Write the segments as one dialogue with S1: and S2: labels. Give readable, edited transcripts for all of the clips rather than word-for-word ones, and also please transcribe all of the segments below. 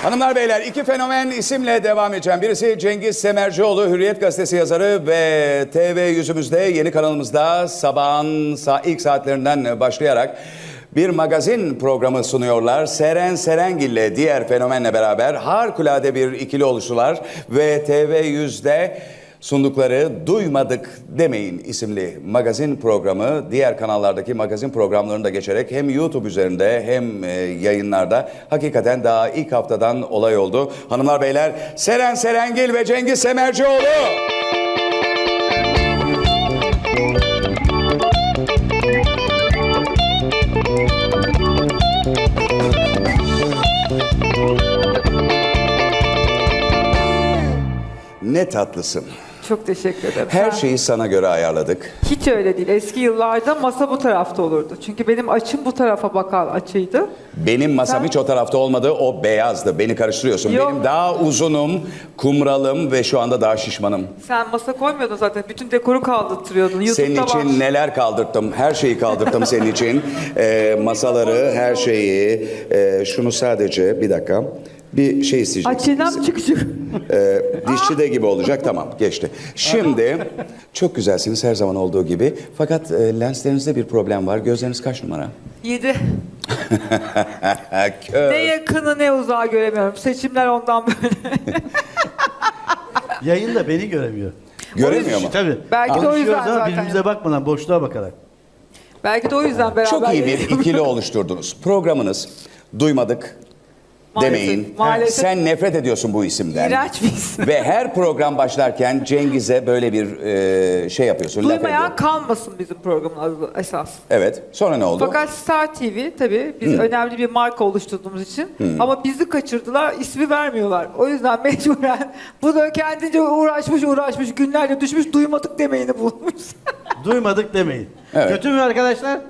S1: Hanımlar beyler, iki fenomen isimle devam edeceğim. Birisi Cengiz Semercioğlu, Hürriyet Gazetesi yazarı ve TV yüzümüzde, yeni kanalımızda sabahın ilk saatlerinden başlayarak bir magazin programı sunuyorlar. Seren Serengil ile diğer fenomenle beraber harikulade bir ikili oluştular ve TV100'de sundukları Duymadık Demeyin isimli magazin programı diğer kanallardaki magazin programlarını da geçerek hem YouTube üzerinde hem yayınlarda hakikaten daha ilk haftadan olay oldu. Hanımlar beyler, Seren Serengil ve Cengiz Semercioğlu. Ne tatlısın.
S2: Çok teşekkür ederim.
S1: Her şeyi sana göre ayarladık.
S2: Hiç öyle değil. Eski yıllarda masa bu tarafta olurdu. Çünkü benim açım bu tarafa bakan açıydı.
S1: Benim masam hiç o tarafta olmadı, o beyazdı. Beni karıştırıyorsun.
S2: Yok.
S1: Benim daha uzunum, kumralım ve şu anda daha şişmanım.
S2: Sen masa koymuyordun zaten. Bütün dekoru kaldırtıyordun.
S1: Senin
S2: YouTube'da
S1: için
S2: var.
S1: neler kaldırttım, her şeyi kaldırttım senin için. Masaları, her şeyi. Şunu sadece, bir dakika. Bir şey isteyeceğim.
S2: Açıdan çıkacak.
S1: Dişçide gibi olacak, tamam geçti. Şimdi çok güzelsiniz her zaman olduğu gibi. Fakat lenslerinizde bir problem var. Gözleriniz kaç numara?
S2: 7.
S1: Kör.
S2: Ne yakını ne uzağı göremiyorum. Seçimler ondan böyle.
S3: Yayında beni göremiyor.
S1: Göremiyor mu?
S3: Tabii.
S2: Belki de o
S3: Konuşuyoruz
S2: yüzden
S3: ama
S2: zaten.
S3: birbirimize bakmadan, boşluğa bakarak.
S2: Belki de o yüzden beraber.
S1: Çok iyi bir
S2: yayınlıyoruz.
S1: ikili oluşturdunuz. Programınız Duymadık
S2: Maalesef,
S1: Demeyin.
S2: maalesef.
S1: Sen nefret ediyorsun bu isimden.
S2: İğrenç bir isim.
S1: Ve her program başlarken Cengiz'e böyle bir şey yapıyorsun. laf
S2: Duymayan
S1: ediyorsun.
S2: kalmasın bizim programın adı esas.
S1: Evet. Sonra ne oldu?
S2: Fakat Star TV tabii biz önemli bir marka oluşturduğumuz için ama bizi kaçırdılar, ismi vermiyorlar. O yüzden mecburen bu da kendince uğraşmış günlerce düşmüş Duymadık Demeyini bulmuş.
S3: Duymadık demeyin.
S1: Evet.
S3: Kötü mü arkadaşlar?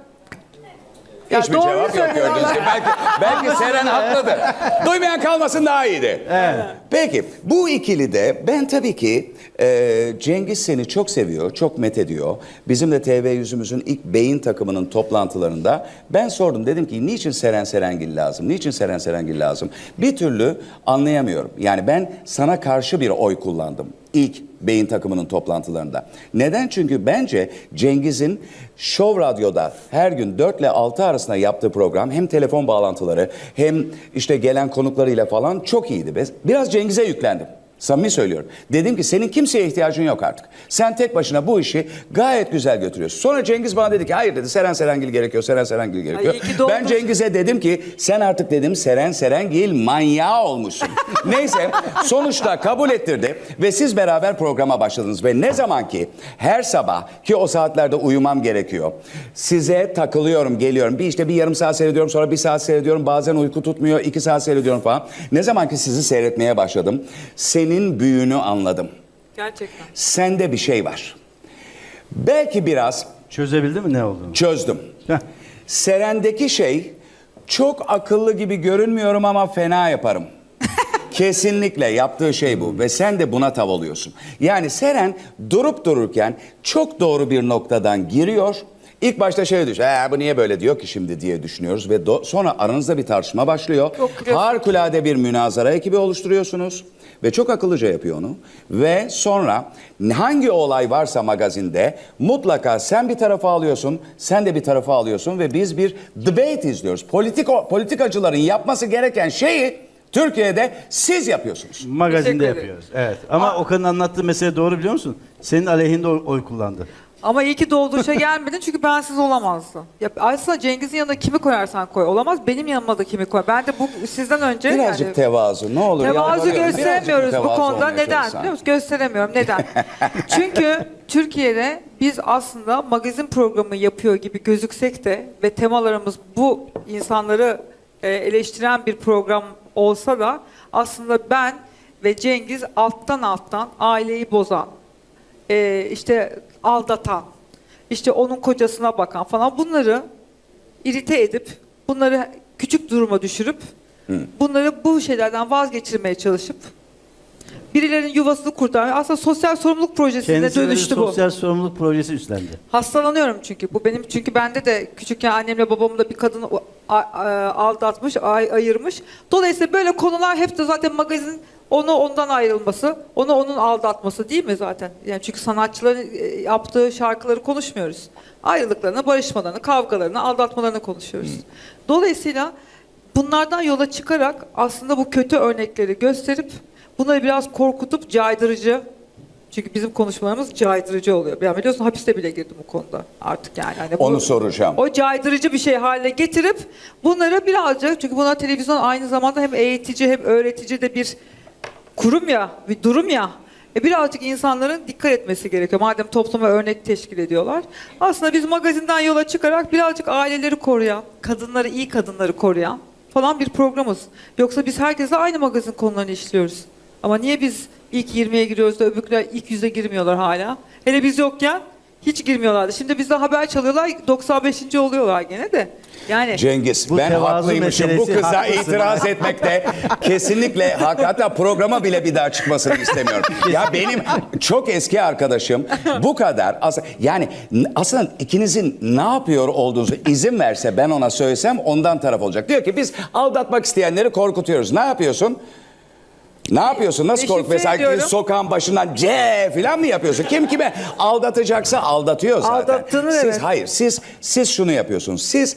S2: Ya
S1: Hiçbir
S2: doğru
S1: cevap yok
S2: söylüyorlar.
S1: gördüğünüz gibi. Belki Seren haklıdır. Duymayan kalmasın daha iyiydi.
S3: Evet.
S1: Peki bu ikili de ben tabii ki Cengiz seni çok seviyor, çok methediyor. Bizim de TV yüzümüzün ilk beyin takımının toplantılarında ben sordum. Dedim ki niçin Seren Serengil lazım? Niçin Seren Serengil lazım? Bir türlü anlayamıyorum. Yani ben sana karşı bir oy kullandım. İlk beyin takımının toplantılarında. Neden? Çünkü bence Cengiz'in Show Radyo'da her gün 4 ile 6 arasında yaptığı program hem telefon bağlantıları hem işte gelen konuklarıyla falan çok iyiydi. Biraz Cengiz'e yüklendim. Samimi söylüyorum. Dedim ki senin kimseye ihtiyacın yok artık. Sen tek başına bu işi gayet güzel götürüyorsun. Sonra Cengiz bana dedi ki hayır dedi Seren Serengil gerekiyor, Seren Serengil gerekiyor.
S2: Ay, iyi ki doğmuş.
S1: Ben Cengiz'e dedim ki sen artık dedim Seren Serengil manyağı olmuşsun. Neyse sonuçta kabul ettirdi ve siz beraber programa başladınız. Ve ne zaman ki her sabah ki o saatlerde uyumam gerekiyor. Size takılıyorum, geliyorum. Bir yarım saat seyrediyorum, sonra 1 saat seyrediyorum. Bazen uyku tutmuyor, 2 saat seyrediyorum falan. Ne zaman ki sizi seyretmeye başladım. Senin büyüğünü anladım.
S2: Gerçekten.
S1: Sende bir şey var. Belki biraz
S3: Çözebildin mi ne olduğunu?
S1: çözdüm.
S3: Heh.
S1: Seren'deki şey çok akıllı gibi görünmüyorum ama fena yaparım. Kesinlikle yaptığı şey bu ve sen de buna tav oluyorsun. Yani Seren durup dururken çok doğru bir noktadan giriyor. İlk başta şey diyor, bu niye böyle diyor ki şimdi diye düşünüyoruz ve sonra aranızda bir tartışma başlıyor. Harikulade bir münazara ekibi oluşturuyorsunuz ve çok akıllıca yapıyor onu. Ve sonra hangi olay varsa magazinde mutlaka sen bir tarafa alıyorsun, sen de bir tarafa alıyorsun ve biz bir debate izliyoruz. Politikacıların yapması gereken şeyi Türkiye'de siz yapıyorsunuz.
S3: Magazinde
S2: Teşekkür ederim.
S3: yapıyoruz. Evet. Ama Okan'ın anlattığı mesele doğru biliyor musun? Senin aleyhinde oy kullandı.
S2: Ama iyi ki dolduruşa gelmedin çünkü bensiz olamazdı. Ya aslında Cengiz'in yanına kimi koyarsan koy olamaz. Benim yanıma da kimi koy. Ben de bu sizden önce
S1: Birazcık tevazu ne olur.
S2: tevazu
S1: yalvarıyorum.
S2: gösteremiyoruz
S1: Birazcık
S2: bu
S1: tevazu
S2: konuda.
S1: olmaya
S2: Neden?
S1: çalışsan.
S2: Biliyor musun? Gösteremiyorum. Neden? Çünkü Türkiye'de biz aslında magazin programı yapıyor gibi gözüksek de ve temalarımız bu insanları eleştiren bir program olsa da aslında ben ve Cengiz alttan aileyi bozan, işte aldatan, işte onun kocasına bakan falan bunları irite edip, bunları küçük duruma düşürüp, bunları bu şeylerden vazgeçirmeye çalışıp birilerinin yuvasını kurtarmaya aslında sosyal sorumluluk projesine
S3: Kendisi böyle bir
S2: dönüştü bu.
S3: sosyal sorumluluk projesi üstlendi.
S2: Hastalanıyorum çünkü. Bu benim çünkü bende de küçükken annemle babamla bir kadın aldatmış, ayırmış. Dolayısıyla böyle konular hep de zaten magazin onu ondan ayrılması, onu onun aldatması değil mi zaten? Yani çünkü sanatçıların yaptığı şarkıları konuşmuyoruz. Ayrılıklarını, barışmalarını, kavgalarını, aldatmalarını konuşuyoruz. Dolayısıyla bunlardan yola çıkarak aslında bu kötü örnekleri gösterip bunları biraz korkutup caydırıcı, çünkü bizim konuşmalarımız caydırıcı oluyor. Yani biliyorsun hapiste bile girdim bu konuda artık yani. Hani
S1: Onu soracağım.
S2: O caydırıcı bir şey haline getirip bunları birazcık, çünkü bunlar televizyon aynı zamanda hem eğitici hem öğretici de bir kurum ya, bir durum ya. Birazcık insanların dikkat etmesi gerekiyor. Madem topluma örnek teşkil ediyorlar. Aslında biz magazinden yola çıkarak birazcık aileleri koruyan, kadınları, iyi kadınları koruyan falan bir programız. Yoksa biz herkese aynı magazin konularını işliyoruz. Ama niye biz ilk 20'ye giriyoruz da öbürküler ilk 100'e girmiyorlar hala? Hele biz yokken hiç girmiyorlardı. Şimdi bizde haber çalıyorlar, 95. oluyorlar gene de. Yani
S1: Cengiz,
S3: Bu
S1: ben
S3: tevazu
S1: haklıymışım. Bu
S3: meselesi,
S1: kıza
S3: haklısın.
S1: itiraz etmekte kesinlikle hak. Hatta programa bile bir daha çıkmasını istemiyorum. Ya benim çok eski arkadaşım bu kadar yani aslında ikinizin ne yapıyor olduğunuzu izin verse, ben ona söylesem ondan taraf olacak. Diyor ki biz aldatmak isteyenleri korkutuyoruz. Ne yapıyorsun? Ne yapıyorsun? Nasıl
S2: Deşifre
S1: kork? Mesela
S2: ediyorum.
S1: sokağın başından C falan mı yapıyorsun? Kim kime aldatacaksa aldatıyor zaten.
S2: Aldattığını
S1: siz,
S2: evet.
S1: Hayır, siz şunu yapıyorsunuz. Siz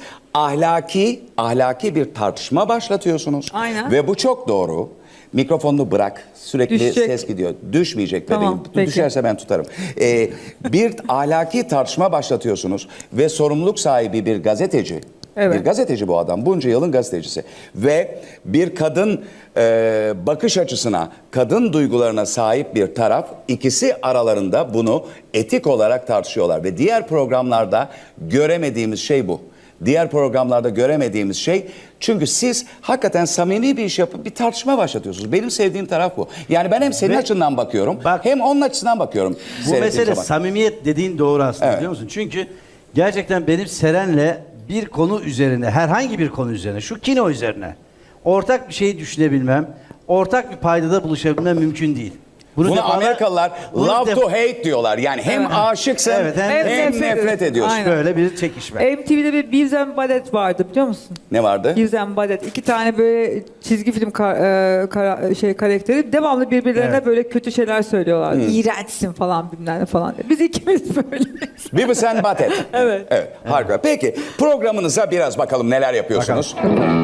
S1: ahlaki bir tartışma başlatıyorsunuz.
S2: Aynen.
S1: Ve bu çok doğru. Mikrofonunu bırak. Sürekli
S2: Düşecek.
S1: ses gidiyor. Düşmeyecek
S2: Tamam,
S1: bebeğim.
S2: peki.
S1: Düşerse ben tutarım. Bir ahlaki tartışma başlatıyorsunuz ve sorumluluk sahibi bir gazeteci.
S2: Evet.
S1: Bir gazeteci bu adam. Bunca yılın gazetecisi. Ve bir kadın bakış açısına, kadın duygularına sahip bir taraf, ikisi aralarında bunu etik olarak tartışıyorlar. Ve diğer programlarda göremediğimiz şey bu. Diğer programlarda göremediğimiz şey, çünkü siz hakikaten samimi bir iş yapıp bir tartışma başlatıyorsunuz. Benim sevdiğim taraf bu. Yani ben hem senin
S3: Ve
S1: açından bakıyorum,
S3: bak,
S1: hem onun açısından bakıyorum.
S3: Bu
S1: seyrettiğim
S3: mesele
S1: zaman.
S3: samimiyet dediğin doğru aslında,
S1: Evet.
S3: biliyor musun? Çünkü gerçekten benim Seren'le bir konu üzerine, herhangi bir konu üzerine, şu kino üzerine ortak bir şey düşünebilmem, ortak bir paydada buluşabilmem mümkün değil.
S1: Bunu
S3: defalar-
S1: Amerikalılar
S3: bunu
S1: love to hate diyorlar. Yani hem aşıksın,
S3: Evet, hem
S1: hem nefret ediyorsun.
S2: Aynen.
S3: böyle bir çekişme.
S2: MTV'de bir Beavis and Butthead vardı biliyor musun?
S1: Ne vardı?
S2: Beavis and Butthead. 2 tane böyle çizgi film karakteri devamlı birbirlerine
S3: Evet.
S2: böyle kötü şeyler söylüyorlar. İğrençsin falan bilmem ne falan diye. Biz ikimiz böyleyiz.
S1: Beavis and Butthead.
S2: Evet.
S1: Evet, harika. Peki programınıza biraz bakalım neler yapıyorsunuz.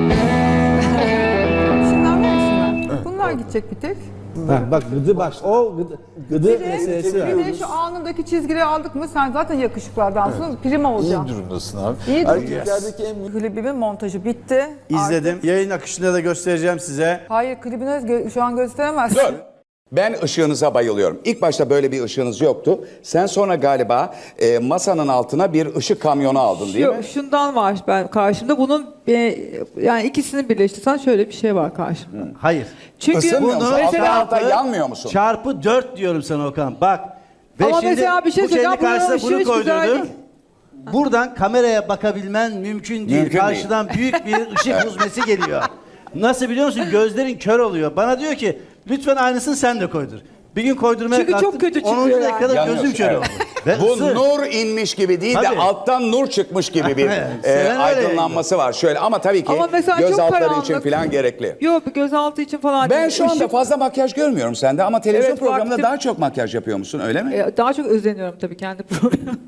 S4: Şunlar var şunlar. Bunlar gidecek bir tek.
S5: Bak gıdı bak o gıdı
S4: Bir de,
S5: meselesi
S4: bir
S5: var.
S4: de şu alnındaki çizgileri aldık mı sen zaten yakışıklı adamsın. Prim olacaksın.
S6: İyi durumdasın abi.
S4: İyi
S6: Erkeklerdeki en büyük
S4: Klibimin montajı bitti.
S3: İzledim.
S4: Artık-
S3: Yayın akışında da göstereceğim size.
S4: Hayır klibini şu an gösteremezsin.
S1: Dur. Ben ışığınıza bayılıyorum. İlk başta böyle bir ışığınız yoktu. Sen sonra galiba masanın altına bir ışık kamyonu aldın değil mi?
S2: Şundan var ben karşımda. Bunun yani ikisini birleştirsen şöyle bir şey var karşımda.
S3: Hayır.
S2: Çünkü
S1: Isınmıyor musun?
S2: mesela
S1: Altta yanmıyor musun?
S3: Çarpı 4 diyorum sana Okan. Bak. Ve
S2: Ama
S3: şimdi
S2: mesela bir şey
S3: bu kendi
S2: söyleyeceğim. Buranın
S3: karşısına
S2: ışığı
S3: bunu
S2: hiç güzel
S3: koydurdum.
S2: değil.
S3: Buradan kameraya bakabilmen mümkün değil.
S1: Mümkün
S3: Karşıdan büyük bir ışık huzmesi geliyor. Nasıl biliyor musun? Gözlerin kör oluyor. Bana diyor ki lütfen aynısını sen de koydur. Bir gün koydurmaya
S2: Çünkü çok
S3: kalktım.
S2: kötü
S3: 10.
S2: çıkıyor
S3: dakikada
S1: yani.
S3: gözüm kör
S1: Evet.
S3: oldu. Ve
S1: Bu
S3: ısı.
S1: nur inmiş gibi değil de
S3: Tabii.
S1: alttan nur çıkmış gibi bir
S3: Seven öyle
S1: aydınlanması var. Şöyle ama tabii ki
S2: Ama mesela
S1: göz
S2: çok
S1: altları
S2: karanlık.
S1: için falan gerekli.
S2: Yok gözaltı için falan
S1: Ben
S2: değil.
S1: şu anda
S2: Işık-
S1: fazla makyaj görmüyorum sende ama televizyon
S2: Evet,
S1: programında
S2: vaktim-
S1: daha çok makyaj yapıyor musun öyle mi?
S2: Daha çok özeniyorum tabii kendi programıma.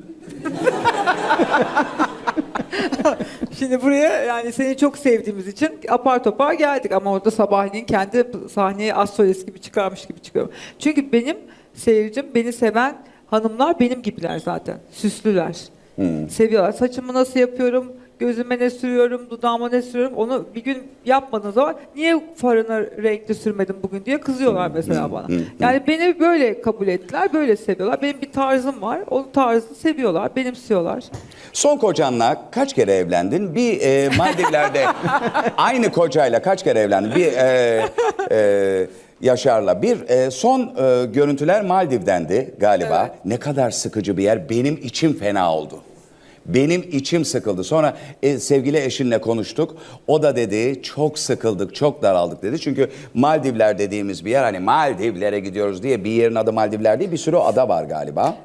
S2: Şimdi buraya yani seni çok sevdiğimiz için apar topar geldik ama orada sabahleyin kendi sahneye az solist gibi çıkarmış gibi çıkıyorum. Çünkü benim seyircim, beni seven hanımlar benim gibiler zaten. Süslüler. Seviyorlar. Saçımı nasıl yapıyorum, gözüme ne sürüyorum, dudağıma ne sürüyorum onu bir gün yapmadığın zaman niye farını renkli sürmedin bugün diye kızıyorlar mesela bana. Yani beni böyle kabul ettiler, böyle seviyorlar. Benim bir tarzım var, o tarzı seviyorlar, benimsiyorlar.
S1: Son kocanla kaç kere evlendin? Bir Maldivler'de aynı kocayla kaç kere evlendin? Bir Yaşar'la. Bir son görüntüler Maldiv'dendi galiba.
S2: Evet.
S1: Ne kadar sıkıcı bir yer. Benim içim fena oldu. Benim içim sıkıldı. Sonra sevgili eşinle konuştuk. O da dedi çok sıkıldık, çok daraldık dedi. Çünkü Maldivler dediğimiz bir yer, hani Maldivlere gidiyoruz diye bir yerin adı Maldivler değil, bir sürü ada var galiba.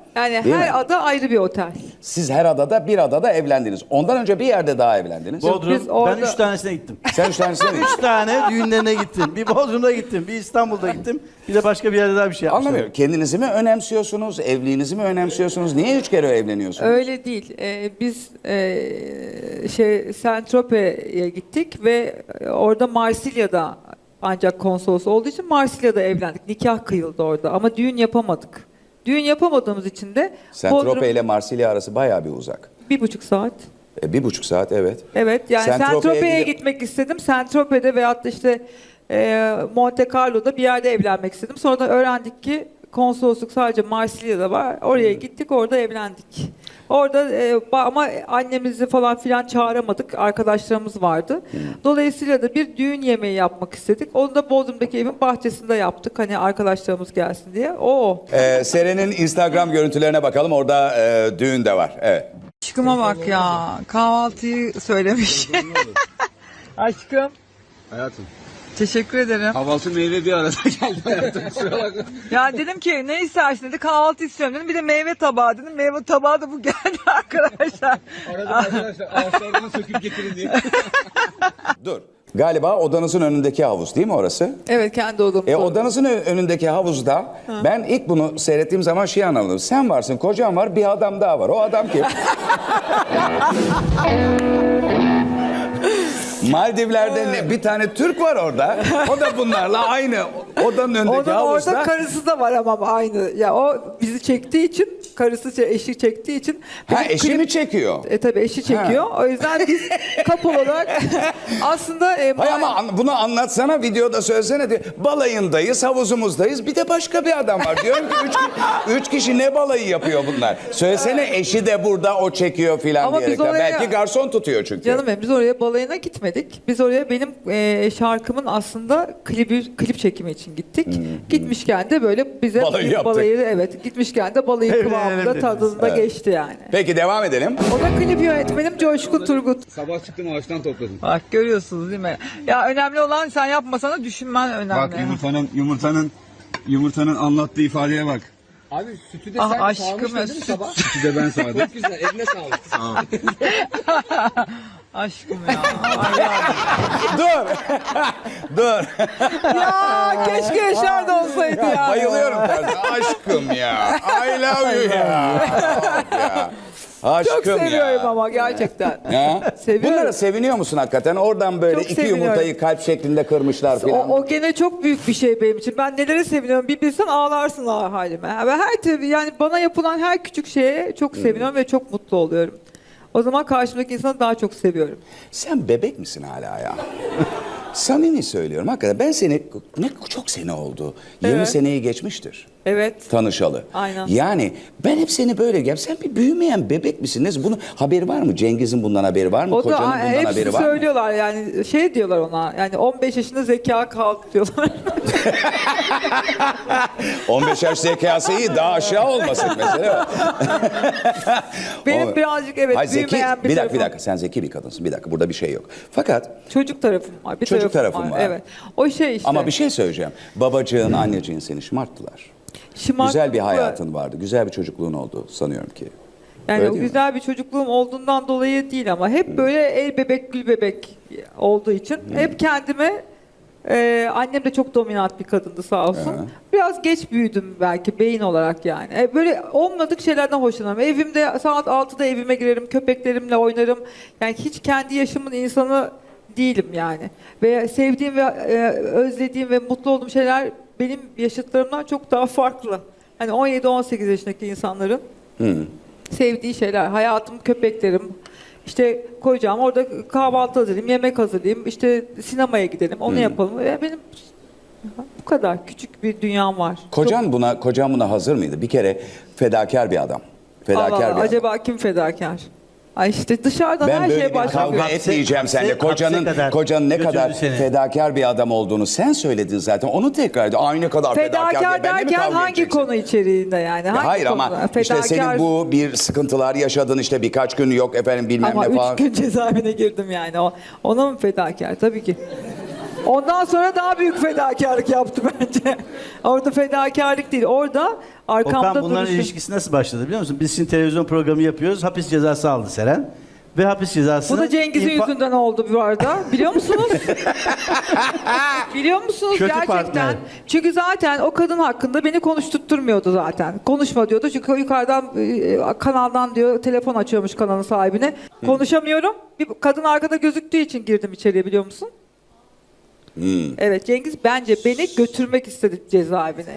S2: Yani
S1: Değil
S2: her
S1: mi?
S2: ada ayrı bir otel.
S1: Siz her adada bir adada evlendiniz. Ondan önce bir yerde daha evlendiniz.
S3: Bodrum,
S2: biz orada-
S3: ben 3 tanesine gittim.
S1: Sen 3 tanesine mi?
S3: 3 tane düğünlerine gittim. Bir Bodrum'da gittim, bir İstanbul'da gittim. Bir de başka bir yerde daha bir şey yapmışlar.
S1: Anlamıyorum. Kendinizi mi önemsiyorsunuz? Evliliğinizi mi önemsiyorsunuz? Niye 3 kere evleniyorsunuz?
S2: Öyle değil. Biz Saint-Tropez'e gittik ve orada Marsilya'da ancak konsolos olduğu için Marsilya'da evlendik. Nikah kıyıldı orada ama düğün yapamadık. Düğün yapamadığımız için de
S1: Saint-Tropez ile Marsilya arası bayağı bir uzak.
S2: 1,5 saat.
S1: 1,5 saat evet.
S2: Evet yani
S1: Saint-Tropez'e
S2: Saint-Tropez'e
S1: gidip-
S2: gitmek istedim. Saint-Tropez'de veyahut da işte Monte Carlo'da bir yerde evlenmek istedim. Sonra da öğrendik ki konsolosluk sadece Marsilya'da var. Oraya gittik, orada evlendik. Orada ama annemizi falan filan çağıramadık. Arkadaşlarımız vardı. Dolayısıyla da bir düğün yemeği yapmak istedik. Onu da Bodrum'daki evin bahçesinde yaptık. Hani arkadaşlarımız gelsin diye. O.
S1: Seren'in Instagram görüntülerine bakalım. Orada düğün de var. Evet.
S7: Aşkıma bak ya. Kahvaltıyı söylemiş. Aşkım.
S6: Hayatım.
S7: Teşekkür ederim.
S6: Kahvaltı meyve bir arada geldi hayatım. Kusura bakma.
S7: Ya dedim ki ne istersin dedi. Kahvaltı istiyorum dedim. Bir de meyve tabağı dedim. Meyve tabağı da bu geldi arkadaşlar.
S6: Aradım arkadaşlar ağaçlardan söküp getirin diye.
S1: Dur. Galiba odanızın önündeki havuz değil mi orası?
S2: Evet kendi odamız.
S1: Odanızın önündeki havuzda ben ilk bunu seyrettiğim zaman şey anladım. Sen varsın, kocan var, bir adam daha var. O adam kim? Maldivler'de bir tane Türk var orada. O da bunlarla aynı odanın önündeki
S2: Onun
S1: havuzda.
S2: orada karısı da var ama aynı. Ya o bizi çektiği için, karısı eşi çektiği için.
S1: Ha
S2: benim
S1: eşi
S2: klip-
S1: mi çekiyor?
S2: Tabii eşi çekiyor. O yüzden biz couple olarak aslında
S1: Hay ama bunu anlatsana, videoda söylesene diyor. Balayındayız, havuzumuzdayız. Bir de başka bir adam var. Diyorum ki üç kişi ne balayı yapıyor bunlar? Söylesene eşi de burada, o çekiyor filan
S2: Ama
S1: diyerek.
S2: biz oraya-
S1: Belki garson tutuyor çünkü.
S2: canım benim, biz oraya balayına gitmedik. Biz oraya benim şarkımın aslında klip çekimi için gittik. Gitmişken de böyle bize
S1: Balayı
S2: bir
S1: yaptık.
S2: balayı, evet, gitmişken de balayı
S3: Evet,
S2: kıvamında
S3: evet,
S2: tadında geçti yani.
S1: Peki devam edelim.
S2: O da klip yönetmenim Coşkun Turgut.
S6: Sabah çıktım ağaçtan topladım.
S7: Bak görüyorsunuz değil mi? Ya önemli olan sen yapmasana düşünmen önemli.
S6: Bak yumurtanın anlattığı ifadeye bak.
S5: Abi sütü de
S7: Ah
S5: sen
S7: aşkım
S5: sağmıştın
S7: ya,
S5: değil mi
S7: süt.
S5: sabah?
S6: Sütü de ben sağdım.
S5: Çok güzel, eline sağlık.
S6: Sağ ol.
S7: Aşkım ya. Ay ya.
S1: Dur. Dur.
S2: Ya keşke Yaşar da olsaydı ya.
S1: Bayılıyorum tarzı. Aşkım ya. I love you ya. ya. Aşkım
S2: Çok seviyorum
S1: ya.
S2: ama gerçekten.
S1: Ya.
S2: Seviyorum.
S1: Bunlara seviniyor musun hakikaten? Oradan böyle
S2: Çok
S1: iki
S2: seviniyorum.
S1: yumurtayı kalp şeklinde kırmışlar filan.
S2: O gene çok büyük bir şey benim için. Ben nelere seviniyorum bir bilsen ağlarsın halime. Ve her tabii yani bana yapılan her küçük şeye çok seviniyorum ve çok mutlu oluyorum. O zaman karşımdaki insanı daha çok seviyorum.
S1: Sen bebek misin hala ya? Samimi söylüyorum hakikaten. Ben seni, çok sene oldu. 20
S2: Evet.
S1: seneyi geçmiştir
S2: Evet.
S1: tanışalı.
S2: Aynen.
S1: Yani ben hep seni böyle sen bir büyümeyen bebek misin? Bunun haberi var mı? Cengiz'in bundan haberi var mı?
S2: O
S1: Kocanın
S2: da
S1: bundan
S2: hepsi
S1: haberi var mı?
S2: söylüyorlar yani şey diyorlar ona yani 15 yaşında zeka kaldı diyorlar.
S1: 15 yaş zekası iyi, daha aşağı olmasın mesela.
S2: Benim birazcık evet
S1: Hayır, zeki,
S2: büyümeyen bir
S1: bir
S2: tarafım.
S1: dakika sen zeki bir kadınsın. Bir dakika burada bir şey yok. Fakat
S2: Çocuk tarafım var. Bir
S1: Çocuk tarafım var.
S2: Evet. O şey işte.
S1: ama bir şey söyleyeceğim. Babacığın, anneciğin seni şımarttılar. Güzel bir hayatın vardı. Güzel bir çocukluğun oldu sanıyorum ki.
S2: Yani
S1: Öyle
S2: o
S1: değil mi?
S2: güzel bir çocukluğum olduğundan dolayı değil ama hep böyle el bebek gül bebek olduğu için hep kendime annem de çok dominant bir kadındı sağ olsun. Biraz geç büyüdüm belki beyin olarak yani. Böyle olmadık şeylerden hoşlanırım. Evimde saat 6'da evime girerim, köpeklerimle oynarım. Yani hiç kendi yaşımın insanı değilim yani. Ve sevdiğim ve özlediğim ve mutlu olduğum şeyler benim yaşıtlarımdan çok daha farklı. Hani 17-18 yaşındaki insanların sevdiği şeyler. Hayatım, köpeklerim. İşte koyacağım orada kahvaltı hazırlayayım, yemek hazırlayayım, işte sinemaya gidelim, onu yapalım. Benim bu kadar küçük bir dünyam var.
S1: Kocan buna hazır mıydı? Bir kere fedakar bir adam. Fedakar
S2: Allah Allah,
S1: bir adam.
S2: acaba kim fedakar? Ay işte dışarıdan
S1: Ben
S2: her
S1: böyle
S2: şeye
S1: bir
S2: başlıyor.
S1: kavga etmeyeceğim seninle.
S3: Hapse
S1: Kocanın ne
S3: götürdü
S1: kadar
S3: seni.
S1: fedakar bir adam olduğunu sen söyledin zaten. Onu tekrar ediyor. Aynı kadar fedakar diye
S2: Fedakar
S1: benimle mi
S2: derken
S1: kavga
S2: hangi
S1: edeceksin?
S2: konu içeriğinde yani?
S1: Ya
S2: Hangi
S1: hayır ama
S2: konuda?
S1: işte senin bu bir sıkıntılar yaşadın işte birkaç gün yok efendim bilmem
S2: ama
S1: ne falan.
S2: 3 gün cezaevine girdim yani. Ona mı fedakar? Tabii ki. Ondan sonra daha büyük fedakarlık yaptı bence. Orada fedakarlık değil. Orada arkamda
S3: Okan bunların
S2: duruşu.
S3: ilişkisi nasıl başladı biliyor musun? Biz şimdi televizyon programı yapıyoruz. Hapis cezası aldı Seren. Ve hapis cezasını...
S2: Bu da Cengiz'in yüzünden oldu bu arada. Biliyor musunuz? Biliyor musunuz
S3: Kötü
S2: gerçekten?
S3: partner.
S2: Çünkü zaten o kadın hakkında beni konuşturtturmuyordu zaten. Konuşma diyordu. Çünkü yukarıdan kanaldan diyor telefon açıyormuş kanalın sahibine. Konuşamıyorum. Bir kadın arkada gözüktüğü için girdim içeriye biliyor musun? Evet Cengiz bence beni götürmek istedi cezaevine.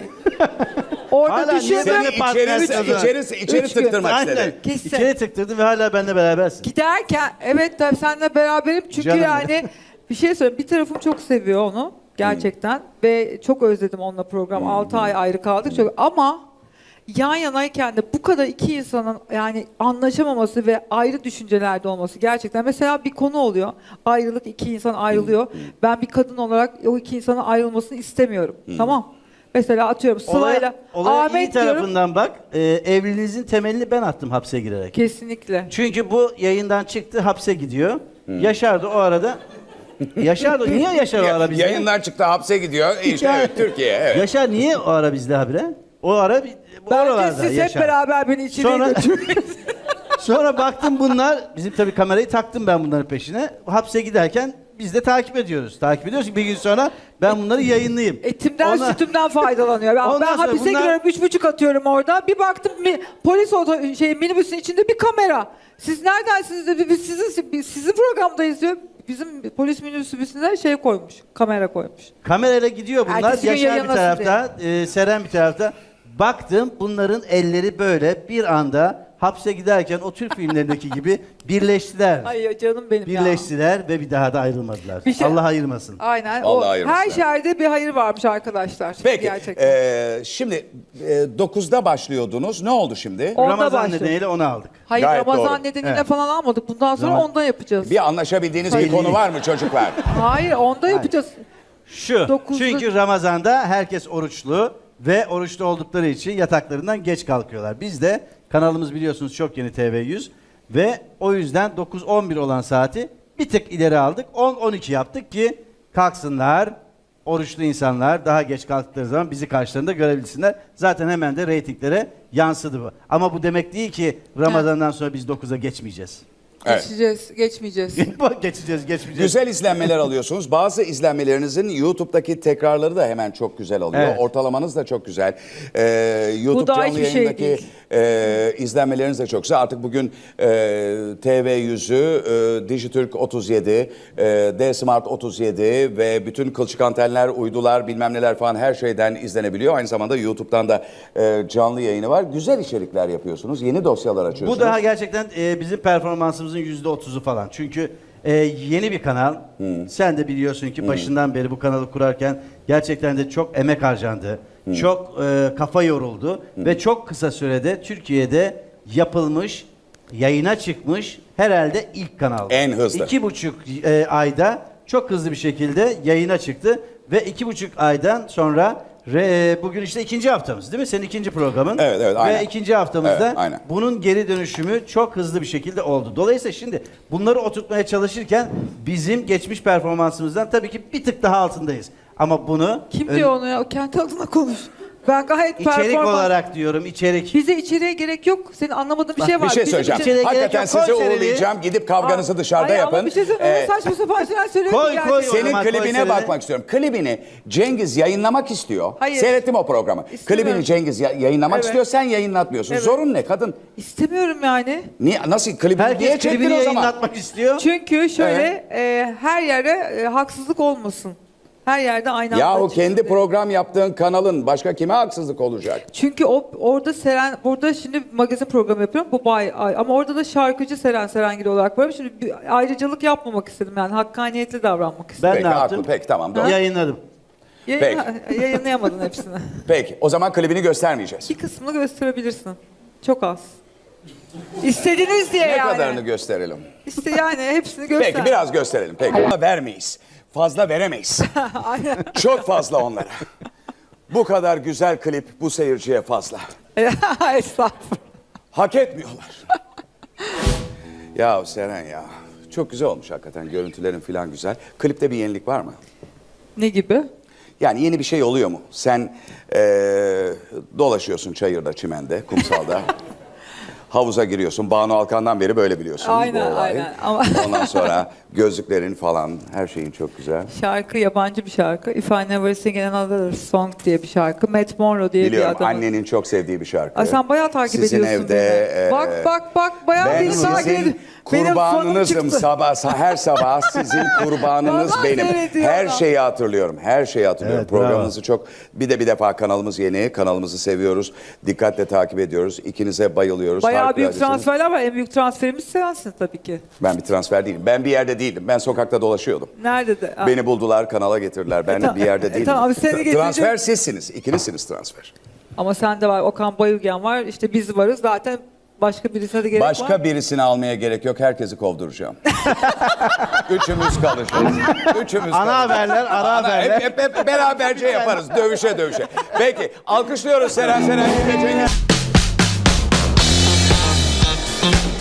S2: Orada
S3: Hala niye
S2: düşündüm.
S3: benimle partnersin o zaman?
S1: İçeri
S2: Üç gün.
S1: tıktırmak
S3: Aynen.
S1: istedi.
S2: Kesin.
S3: İçeri tıktırdı ve hala benimle berabersin.
S2: Giderken evet tabii seninle beraberim çünkü
S3: Canım.
S2: yani bir şey söyleyeyim bir tarafım çok seviyor onu gerçekten ve çok özledim onunla program 6 ay ayrı kaldık çok ama yan yanayken de bu kadar iki insanın yani anlaşamaması ve ayrı düşüncelerde olması gerçekten mesela bir konu oluyor ayrılık iki insan ayrılıyor ben bir kadın olarak o iki insanın ayrılmasını istemiyorum tamam mesela atıyorum Sıla'yla
S3: Olaya iyi
S2: Ahmet diyorum
S3: tarafından bak. Evliliğinizin temelini ben attım hapse girerek.
S2: kesinlikle.
S3: Çünkü bu yayından çıktı hapse gidiyor. Yaşar da o arada... Yaşar da niye Yaşar o ara bizde?
S1: Yayından çıktı hapse gidiyor. İşte evet, Türkiye evet.
S3: Yaşar niye o ara bizde habire? O ara bu
S2: Bence
S3: oralarda
S2: siz hep
S3: Yaşar.
S2: beraber beni içeriye
S3: Sonra-
S2: götürün.
S3: Sonra baktım bunlar, bizim tabii kamerayı taktım ben bunların peşine. Hapse giderken biz de takip ediyoruz. Takip ediyoruz ki bir gün sonra ben bunları yayınlayayım.
S2: Etimden
S3: Ona-
S2: sütümden faydalanıyor. Ben
S3: Ondan sonra
S2: hapise
S3: bunlar-
S2: giriyorum 3,5 atıyorum orada. Bir baktım polis minibüsün içinde bir kamera. Siz neredensiniz dedi. Biz sizin programdayız diyor. Bizim polis minibüsüne şey koymuş. Kamera koymuş.
S3: Kamerayla gidiyor bunlar.
S2: Ertesi gün
S3: Yaşar bir
S2: yayınlasın
S3: tarafta, Seren bir tarafta. Baktım bunların elleri böyle bir anda hapse giderken o Türk filmlerindeki gibi birleştiler.
S2: Ay canım benim ya.
S3: Birleştiler ve bir daha da ayrılmadılar.
S2: Bir şey-
S3: Allah ayırmasın.
S2: Aynen.
S1: Vallahi
S2: O,
S1: ayırmışlar.
S2: her şerde bir hayır varmış arkadaşlar.
S1: Peki
S2: Gerçekten.
S1: şimdi 9'da başlıyordunuz. Ne oldu şimdi?
S2: Onda
S3: Ramazan
S2: başladı.
S3: nedeniyle onu aldık.
S2: Hayır
S1: Gayet
S2: Ramazan
S1: doğru.
S2: nedeniyle
S3: Evet.
S2: falan almadık. Bundan sonra
S3: Ramazan-
S2: onda yapacağız.
S1: Bir anlaşabildiğiniz bir konu var mı çocuklar?
S2: Hayır onda yapacağız.
S3: Şu,
S2: 9'da
S3: çünkü Ramazan'da herkes oruçlu ve oruçlu oldukları için yataklarından geç kalkıyorlar. Biz de kanalımız biliyorsunuz çok yeni TV100 ve o yüzden 9-11 olan saati bir tık ileri aldık. 10-12 yaptık ki kalksınlar, oruçlu insanlar daha geç kalktıkları zaman bizi karşılarında görebilsinler. Zaten hemen de reytinglere yansıdı bu. Ama bu demek değil ki Ramazan'dan sonra biz 9'a geçmeyeceğiz.
S1: Evet.
S2: Geçmeyeceğiz.
S3: geçmeyeceğiz.
S1: Güzel izlenmeler alıyorsunuz. Bazı izlenmelerinizin YouTube'daki tekrarları da hemen çok güzel oluyor.
S3: Evet.
S1: Ortalamanız da çok güzel. YouTube
S2: Bu da
S1: canlı
S2: hiçbir şey
S1: yayındaki izlenmeleriniz de çok güzel. Artık bugün TV100'ü, Dijitürk 37, D-Smart 37 ve bütün kılçık antenler, uydular, bilmem neler falan her şeyden izlenebiliyor. Aynı zamanda YouTube'dan da canlı yayını var. Güzel içerikler yapıyorsunuz. Yeni dosyalar açıyorsunuz.
S3: Bu daha gerçekten bizim performansımızın %30'u falan. Çünkü yeni bir kanal. Sen de biliyorsun ki başından beri bu kanalı kurarken gerçekten de çok emek harcandı. Çok kafa yoruldu. Ve çok kısa sürede Türkiye'de yapılmış, yayına çıkmış herhalde ilk kanal.
S1: En hızlı.
S3: 2,5 ayda çok hızlı bir şekilde yayına çıktı. Ve 2,5 aydan sonra bugün işte ikinci haftamız değil mi? Senin ikinci programın.
S1: Evet, evet, aynen.
S3: Ve ikinci haftamızda
S1: Evet, aynen.
S3: bunun geri dönüşümü çok hızlı bir şekilde oldu. Dolayısıyla şimdi bunları oturtmaya çalışırken bizim geçmiş performansımızdan tabii ki bir tık daha altındayız. Ama bunu
S2: Kim diyor onu ya? O kendi adına konuş. Ben gayet
S3: içerik olarak diyorum, içerik.
S2: Bize içeriye gerek yok. Senin anlamadığın bir şey var.
S1: Bir şey
S2: Bizim
S1: söyleyeceğim.
S2: için-
S3: İçeriye gerek
S1: Hakikaten
S3: yok.
S1: sizi
S3: Koy serili.
S1: uğurlayacağım. Gidip kavganızı dışarıda
S2: Ay,
S1: yapın.
S2: Ama bir şey söyleyeyim. Öyle saçma sapan şeyler söylüyor ki
S3: Koy,
S2: gerçekten.
S3: koy.
S1: Senin
S3: Ama
S1: klibine
S3: konserine-
S1: bakmak istiyorum. Klibini Cengiz yayınlamak istiyor.
S2: Hayır.
S1: Seyrettim o programı.
S2: İstemiyorum.
S1: Klibini Cengiz yayınlamak
S2: Evet.
S1: istiyor. Sen yayınlatmıyorsun.
S2: Evet.
S1: Zorun ne kadın?
S2: İstemiyorum yani.
S1: Niye, nasıl klibini niye
S3: Herkes
S1: çektin
S3: klibini
S1: o zaman?
S3: yayınlatmak istiyor.
S2: Çünkü şöyle her yere haksızlık olmasın. Her yerde aynı
S1: Yahu
S2: anda çıksın
S1: kendi
S2: diye.
S1: program yaptığın kanalın başka kime haksızlık olacak?
S2: Çünkü orada Seren, burada şimdi magazin programı yapıyorum bu ay ama orada da şarkıcı Seren Serengil olarak varım. Şimdi bir ayrıcalık yapmamak istedim yani hakkaniyetli davranmak istedim.
S3: Ben
S1: Peki,
S3: ne yaptım?
S1: haklı, peki, tamam, doğru.
S3: Yayınladım.
S2: Yayınlayamadın hepsini.
S1: Peki o zaman klibini göstermeyeceğiz.
S2: Bir kısmını gösterebilirsin. Çok az. İstediniz diye
S1: Ne
S2: yani.
S1: kadarını gösterelim?
S2: İşte yani hepsini göster.
S1: Peki biraz gösterelim. Peki. Ama vermeyiz. Fazla veremeyiz.
S2: Aynen.
S1: Çok fazla onlara. Bu kadar güzel klip bu seyirciye fazla.
S2: Estağfurullah.
S1: Hak etmiyorlar. Ya Seren ya. Çok güzel olmuş hakikaten. Görüntülerin falan güzel. Klipte bir yenilik var mı?
S2: Ne gibi?
S1: Yani yeni bir şey oluyor mu? Sen dolaşıyorsun çayırda, çimende, kumsalda. Havuza giriyorsun. Banu Alkan'dan beri böyle biliyorsun.
S2: Aynen,
S1: bu olayı.
S2: aynen. Ama-
S1: Ondan sonra gözlüklerin falan, her şeyin çok güzel.
S2: Şarkı yabancı bir şarkı. If I Never Sing Another Song diye bir şarkı. Matt Monro diye
S1: Biliyorum,
S2: bir adamın.
S1: annenin çok sevdiği bir şarkı.
S2: Ay sen bayağı takip
S1: Sizin
S2: ediyorsun
S1: evde,
S2: beni. Bak bayağı
S1: ben
S2: beni takip ediyorsun.
S1: sizin
S2: Benim fanım
S1: kurbanınızım.
S2: çıktı.
S1: Her sabah sizin kurbanınız
S2: Vallahi
S1: benim.
S2: seyrediyorum.
S1: Her şeyi hatırlıyorum. Her şeyi hatırlıyorum.
S3: Evet, bravo.
S1: Programınızı çok bir defa kanalımız yeni. Kanalımızı seviyoruz. Dikkatle takip ediyoruz. İkinize bayılıyoruz.
S2: Bayağı büyük
S1: Harikuladesiniz.
S2: transferler var. En büyük transferimiz sensin tabii ki.
S1: Ben bir transfer değilim. Ben bir yerde değildim. Ben sokakta dolaşıyordum.
S2: Nerede de? Ha.
S1: Beni buldular, kanala getirdiler. Ben bir yerde değilim.
S2: tamam, seni getirecek-
S1: Transfer sizsiniz. İkinizsiniz transfer.
S2: Ama sende var. Okan Bayülgen var. İşte biz varız. Zaten başka birisine de gerek var.
S1: Başka birisini almaya gerek yok. Herkesi kovduracağım. Üçümüz kalacağız. Üçümüz
S3: Ana
S1: kalacağız.
S3: haberler, ara haberler.
S1: Hep beraberce yaparız. Dövüşe. Peki. Alkışlıyoruz Seren Cengiz.